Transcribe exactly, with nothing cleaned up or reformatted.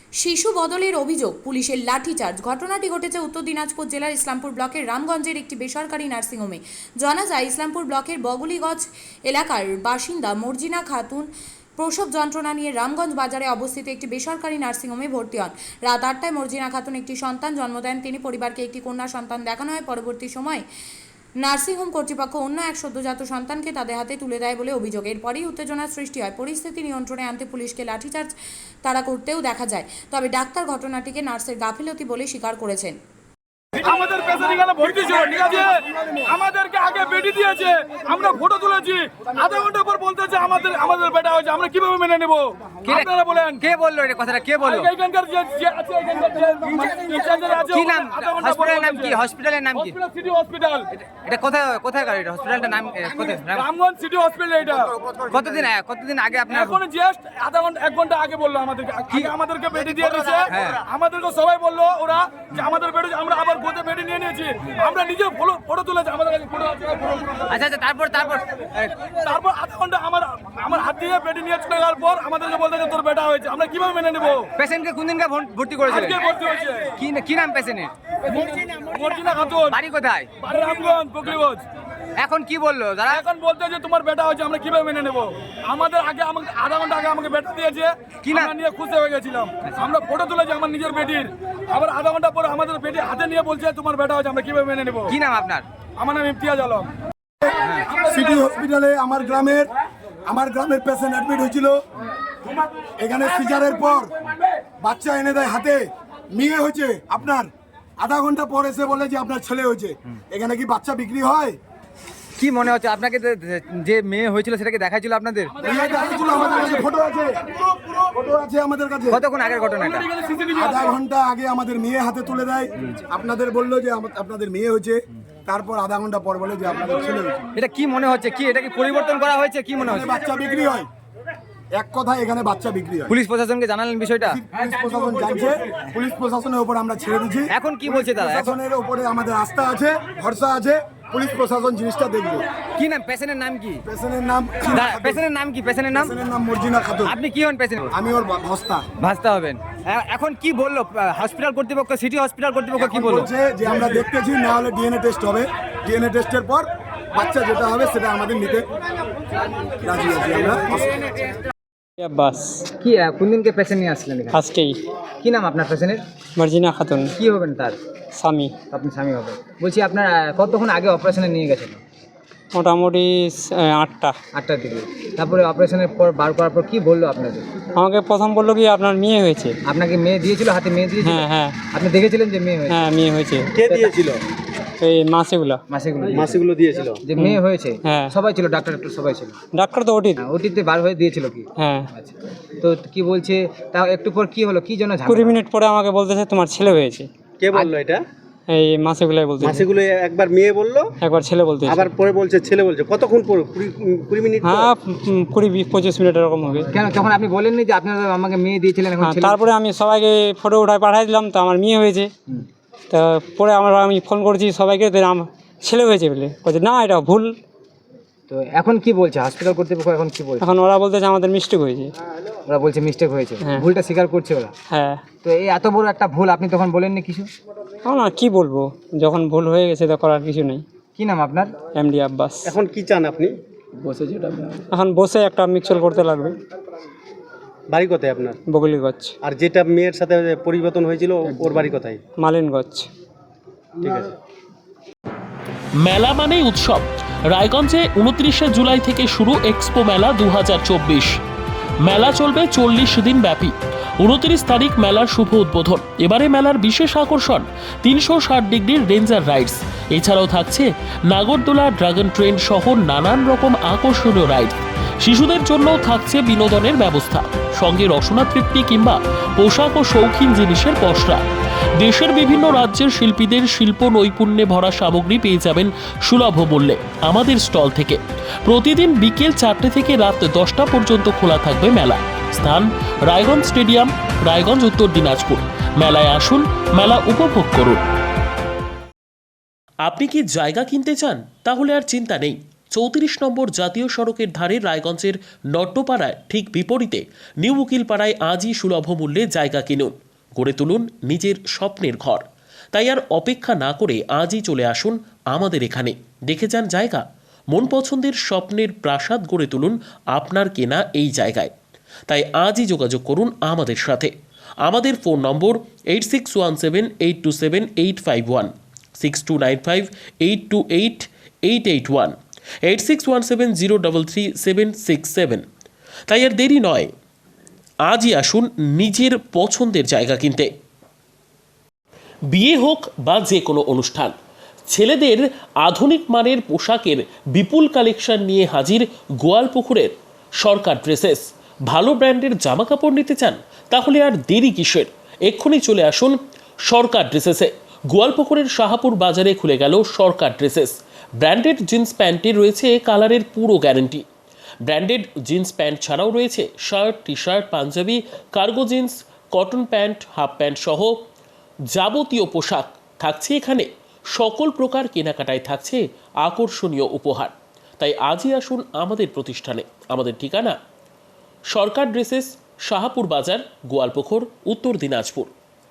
শিশু বদলের অভিযোগ, পুলিশের লাঠিচার্জ। ঘটনাটি ঘটেছে উত্তর দিনাজপুর জেলার ইসলামপুর ব্লকের রামগঞ্জের একটি বেসরকারি নার্সিংহোমে। জানা যায়, ইসলামপুর ব্লকের বগলিগঞ্জ এলাকার বাসিন্দা মর্জিনা খাতুন প্রসব যন্ত্রণা নিয়ে রামগঞ্জ বাজারে অবস্থিত একটি বেসরকারি নার্সিংহোমে ভর্তি হন। রাত আটটায় মর্জিনা খাতুন একটি সন্তান জন্ম দেন। তিনি পরিবারকে একটি কন্যা সন্তান দেখানো হয়। পরবর্তী সময়ে নার্সিংহোম কর্তৃপক্ষ অন্য এক সদ্যজাত সন্তানকে তাদের হাতে তুলে দেয় বলে অভিযোগ। এরপরই উত্তেজনার সৃষ্টি হয়। পরিস্থিতি নিয়ন্ত্রণে আনতে পুলিশকে লাঠিচার্জ তারা করতেও দেখা যায়। তবে ডাক্তার ঘটনাটিকে নার্সের গাফিলতি বলে স্বীকার করেছেন। আমাদের পেশেন্ট এখানে ভর্তি ছিল, ঠিক আছে, আমাদেরকে আগে বেডি দিয়েছে, আমরা ফটো তুলেছি, আধা ঘন্টা পর বলতেছে আমাদের আমাদের বেটা হয়েছে, আমরা কিভাবে মেনে নেব? আপনারা বলেন। কে বললো এটা কথাটা? কে বললো? এইখানকার যে যে আছে, এইখানকার যে ইনচার্জ আছে, কি নাম? আধা ঘন্টা পর হসপিটালের নাম কি? হসপিটালের নাম কি? Hospital city hospital. এটা কোথায় কোথায় গাড়ি? এটা হসপিটালটার নাম কোথায়? Ramganj city hospital. এটা কতদিন আগে কতদিন আগে আপনার? এখন জাস্ট আধা ঘন্টা এক ঘন্টা আগে বললো আমাদেরকে, আগে আমাদেরকে বেডি দিয়ে দিয়েছে। আমাদেরকে সবাই বললো ওরা যে আমাদের বেডি, আমরা আবার গোতে বেডি নিয়ে নিয়েছি, আমরা নিজে ফটো ফটো তুলেছি, আমাদের কাছে ফটো আছে। আচ্ছা আচ্ছা, তারপর তারপর তারপর আধা ঘন্টা আমার আমার হাত দিয়ে বেডি নিয়ে চলে যাওয়ার পর আমাদেরকে বলতে যে তোর বেটা হয়েছে, আমরা কিভাবে মেনে নেব? পেশেন্টকে কোন দিনকে ভর্তি করেছিলেন? আজকে ভর্তি হয়েছে। কি কি নাম পেশেন্টের? মর্জিনা খাতুন। বাড়ি কোথায়? বাড়ি রামগঞ্জ, বগলিগঞ্জ। এখন কি বললো তারা? এখন বলতে যে তোমার বেটা হয়েছে, আমরা কিভাবে মেনে নেব? আমাদের আগে আমাকে আধা ঘন্টা আগে আমাকে বেটা দিয়েছে, কি নাম? আমরা নিয়ে খুশি হয়ে গেছিলাম, আমরা ফটো তুলেছি আমার নিজের বেটির। আবার আধা ঘন্টা পরে আমাদের বেটি হাতে নিয়ে বলছে তোমার বেটা হয়েছে, আমরা কিভাবে মেনে নেব? কি নাম আপনার? আমার নাম ইমতিয়াজ আলম। সিটি হসপিটালে আমার গ্রামের আমার গ্রামের পেশেন্ট অ্যাডমিট হয়েছিল। এখানে সিজারের পর বাচ্চা এনে দেয় হাতে, মেয়ে হয়েছে আপনার। আধা ঘন্টা পর এসে বলে যে আপনার ছেলে হয়েছে। এখানে কি বাচ্চা বিক্রি হয়? কি মনে হচ্ছে আপনাকে? যে মেয়ে হয়েছিল সেটাকে দেখাইছিল আপনাদের? আমাদের কাছে ফটো আছে, ফটো আছে আমাদের কাছে। কতক্ষণ আগের ঘটনা এটা? আধা ঘন্টা আগে আমাদের মেয়ে হাতে তুলে দেয়। আপনাদের বললো যে আমা- আপনাদের মেয়ে হয়েছে, তারপর আধা ঘন্টা পর বলে যে আপনাদের ছেলে হয়েছে। এটা কি মনে হচ্ছে? কি এটা কি পরিবর্তন করা হয়েছে? কি মনে হচ্ছে? বাচ্চা বিক্রি হয়, এক কথায় এখানে বাচ্চা বিক্রি হয়। পুলিশ প্রশাসনকে জানালেন বিষয়টা? পুলিশ প্রশাসন জানছে, পুলিশ প্রশাসনের উপর আমরা ছেড়ে দিচ্ছি। এখন কি বলছে তারা? এখন প্রশাসনের উপরে আমাদের আস্থা আছে, ভরসা আছে, পুলিশ প্রশাসন জিনিসটা দেখবে। কি নাম? পেশেন্টের নাম কি? পেশেন্টের নাম পেশেন্টের নাম কি? পেশেন্টের নাম? পেশেন্টের নাম মর্জিনা খাতুন। আপনি কি হন পেশেন্ট? আমি ওর ভস্তা। ভাসতে হবেন। এ- এখন কি বললো হসপিটাল কর্তৃপক্ষ, সিটি হসপিটাল কর্তৃপক্ষ কি বললো? বলছে যে আমরা দেখতেছি, না হলে ডিএনএ টেস্ট হবে, ডিএনএ টেস্টের পর বাচ্চা যেটা হবে সেটা আমাদের নিতে রাজি আছি আমরা। বাস কি আহ, কোন দিনকে পেশেন্ট নিয়ে আসলেন এখানে? আজকেই কি নাম আপনার পেশেন্টের? মার্জিনা খাতুন, কি হবেন তার? স্বামী। আপনি স্বামী হবেন। বলছি আপনার আহ, কতক্ষণ আগে অপারেশনে নিয়ে গেছেন? মোটামুটি আহ, আটটা। আটটার দিকে। তারপরে অপারেশনের পর বার করার পর কি বললো আপনাদের? আমাকে প্রথম বললো কি আপনার মেয়ে হয়েছে। আপনাকে মেয়ে দিয়েছিল, হাতে মেয়ে দিয়েছিল? হ্যাঁ হ্যাঁ আপনি দেখেছিলেন যে মেয়ে হয়েছে? হ্যাঁ মেয়ে হয়েছে। কে দিয়েছিল? এই মাসেগুলো। মাসেগুলো মাসিগুলো দিয়েছিল। যে মেয়ে হয়েছে? হ্যাঁ। সবাই ছিল, ডাক্তার ডাক্তার সবাই ছিল? ডাক্তার তো ওটি। হ্যাঁ, ওটিতে বার হয়ে দিয়েছিল কি? হ্যাঁ, আচ্ছা, তো কি বলছে? তাও একটু পর কি হলো, কি জন্য ঝামেলা? কুড়ি মিনিট পরে আমাকে বলতেছে তোমার ছেলে হয়েছে। কে বললো এটা? এই মাসেগুলাই বলতে। মাসিগুলো একবার মেয়ে বললো, একবার ছেলে বলতে। আবার পরে বলছে ছেলে বলছে। কতক্ষণ পর? কুড়ি কুড়ি মিনিট পর? হ্যাঁ উম, কুড়ি বিশ পঁচিশ মিনিট এরকম হবে। কেন তখন আপনি বলেননি যে আপনারা আমাকে মেয়ে দিয়েছিলেন, এখন হ্যাঁ, ছেলে? তারপরে আমি সবাইকে ফটো উঠায় পাঠাই দিলাম, তো আমার মেয়ে হয়েছে। হুম। তা পরে আমার আমি ফোন করছি সবাইকে, তো আমার ছেলে হয়েছে বলে বলছে না এটা ভুল। তো এখন কি বলছে হসপিটাল কর্তৃপক্ষ? এখন কি বলছে? এখন ওরা বলতেছে আমাদের মিস্টেক হয়েছে। ওরা বলছে মিস্টেক হয়েছে, হ্যাঁ। ভুলটা স্বীকার করছে ওরা। হ্যাঁ, তো এই এত বড় একটা ভুল আপনি তখন বলেননি কিছু? না কি বলবো, যখন ভুল হয়ে গেছে তো করার কিছু নেই। কি নাম আপনার? এমডি আব্বাস। এখন কি চান আপনি? এখন বসে একটা মিক্সচার করতে লাগবে। বাড়ি কোথায় আপনার? বগলিগঞ্জ, আর যেটা মেয়ের সাথে পরিবর্তন হয়েছিল ওর বাড়ি কোথায়? মালিনগঞ্জ। ঠিক আছে। মেলা মানেই উৎসব। রায়গঞ্জে উনত্রিশে জুলাই থেকে শুরু এক্সপো মেলা দু হাজার চব্বিশ। মেলা চলবে চল্লিশ দিন ব্যাপী। উনত্রিশ তারিখ মেলার শুভ উদ্বোধন। এবারে মেলার বিশেষ আকর্ষণ তিনশো ষাট ডিগ্রির রেঞ্জার রাইডস। এছাড়াও থাকছে নাগরদোলা, ড্রাগন ট্রেন সহ নানান রকম আকর্ষণীয় রাইড। শিশুদের জন্যও থাকছে বিনোদনের ব্যবস্থা, সঙ্গে রসনা তৃপ্তি কিংবা পোশাক ও শৌখিন জিনিসের পসরা। দেশের বিভিন্ন রাজ্যের শিল্পীদের শিল্প নৈপুণ্যে ভরা সামগ্রী পেয়ে যাবেন সুলভ মূল্যে আমাদের স্টল থেকে। প্রতিদিন বিকেল চারটে থেকে রাত দশটা পর্যন্ত খোলা থাকবে মেলা। স্থান রায়গঞ্জ স্টেডিয়াম, রায়গঞ্জ, উত্তর দিনাজপুর। মেলায় আসুন, মেলা উপভোগ করুন। আপনি কি জায়গা কিনতে চান? তাহলে আর চিন্তা নেই। চৌত্রিশ নম্বর জাতীয় সড়কের ধারে রায়গঞ্জের নট্টপাড়ায় ঠিক বিপরীতে নিউ উকিলপাড়ায় আজই সুলভ মূল্যে জায়গা কিনুন, গড়ে তুলুন নিজের স্বপ্নের ঘর। তাই আর অপেক্ষা না করে আজই চলে আসুন আমাদের এখানে, দেখে যান জায়গা। মন পছন্দের স্বপ্নের প্রাসাদ গড়ে তুলুন আপনার কেনা এই জায়গায়। তাই আজই যোগাযোগ করুন আমাদের সাথে। আমাদের phone number eight six one seven eight two seven eight five one, six two nine five eight two eight eight eight one, eight six one seven zero double three seven six seven. তাই আর দেরি নয়, আজই আসুন নিজের পছন্দের জায়গা কিনতে। বিয়ে হোক বা যে কোনো অনুষ্ঠান, ছেলেদের আধুনিক মানের পোশাকের বিপুল কালেকশন নিয়ে হাজির গোয়ালপুকুরের সরকার ড্রেসেস। ভালো ব্র্যান্ডের জামা কাপড় নিতে চান? তাহলে আর দেরি কিসের, এক্ষুনি চলে আসুন সরকার ড্রেসেসে। গোয়ালপুকুরের শাহাপুর বাজারে খুলে গেল সরকার ড্রেসেস। ব্র্যান্ডেড জিন্স প্যান্টে রয়েছে কালারের পুরো গ্যারান্টি। ব্র্যান্ডেড জিন্স প্যান্ট ছাড়াও রয়েছে shirt, T shirt, Punjabi, cargo jeans, cotton pant, half pant সহ যাবতীয় পোশাক থাকছে এখানে। সকল প্রকার কেনাকাটায় থাকছে আকর্ষণীয় উপহার। তাই আজই আসুন আমাদের প্রতিষ্ঠানে। আমাদের ঠিকানা সরকার ড্রেসেস, শাহাপুর বাজার, গোয়ালপুকুর, উত্তর দিনাজপুর।